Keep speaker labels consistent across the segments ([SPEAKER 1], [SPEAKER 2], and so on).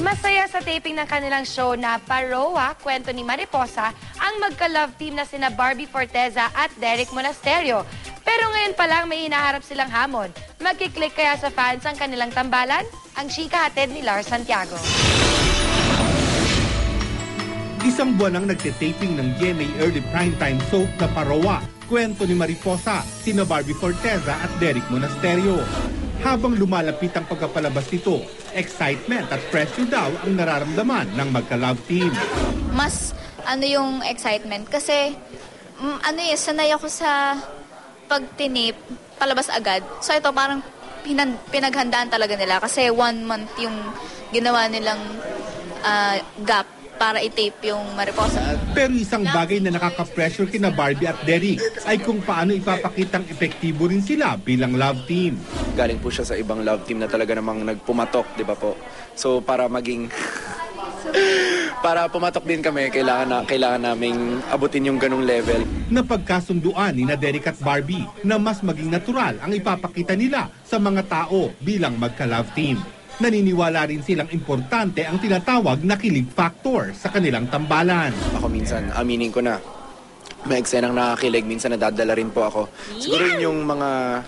[SPEAKER 1] Masaya sa taping ng kanilang show na Paroa, Kwento ni Mariposa, ang magka-love team na sina Barbie Forteza at Derek Monasterio. Pero ngayon pa lang may hinaharap silang hamon. Magkiklik kaya sa fans ang kanilang tambalan? Ang chika hatid ni Lars Santiago.
[SPEAKER 2] Isang buwan ang nagtitaping ng GMA Early Primetime soap na Paroa, Kwento ni Mariposa, sina Barbie Forteza at Derek Monasterio. Habang lumalapit ang pagkapalabas nito, excitement at pressure daw ang nararamdaman ng magka-love team.
[SPEAKER 3] Mas yung excitement kasi sanay ako sa pagtinip, palabas agad. So ito parang pinaghandaan talaga nila kasi 1 month yung ginawa nilang gap para i-tape yung Mariposa.
[SPEAKER 2] Pero isang bagay na nakaka-pressure kina Barbie at Derek ay kung paano ipapakitang epektibo rin sila bilang love team.
[SPEAKER 4] Galing po siya sa ibang love team na talaga namang nagpumatok, di ba po? So para pumatok din kami, kailangan naming abutin yung ganung level.
[SPEAKER 2] Napagkasunduan ni na Derek at Barbie na mas maging natural ang ipapakita nila sa mga tao bilang magka-love team. Naniniwala rin silang importante ang tinatawag na kilig factor sa kanilang tambalan.
[SPEAKER 4] Ako minsan, aminin ko na, may eksenang nakakilig, minsan nadadala rin po ako. Siguro yun yung mga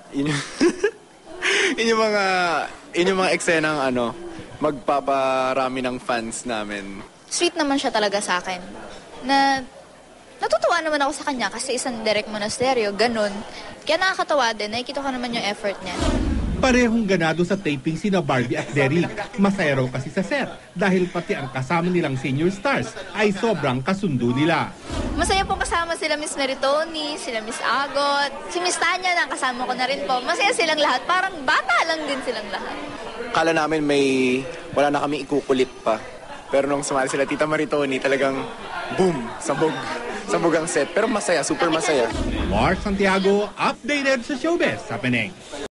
[SPEAKER 4] eksenang magpaparami ng fans namin.
[SPEAKER 3] Sweet naman siya talaga sa akin. Natutuwa naman ako sa kanya kasi isang Derek Monasterio, ganun. Kaya nakakatawa din, nakikita ko naman yung effort niya.
[SPEAKER 2] Parehong ganado sa taping sina Barbie at Derek. Masaya raw kasi sa set dahil pati ang kasama nilang senior stars ay sobrang kasundo nila.
[SPEAKER 3] Masaya pong kasama sila Miss Meritoni, sila Miss Agot, si Miss Tanya na kasama ko na rin po. Masaya silang lahat, parang bata lang din silang lahat.
[SPEAKER 4] Kala namin wala na kami ikukulit pa. Pero nung sumali sila Tita Maritoni, talagang boom, sabog ang set. Pero masaya, super masaya.
[SPEAKER 2] Lars Santiago, updated sa showbiz sa Penang.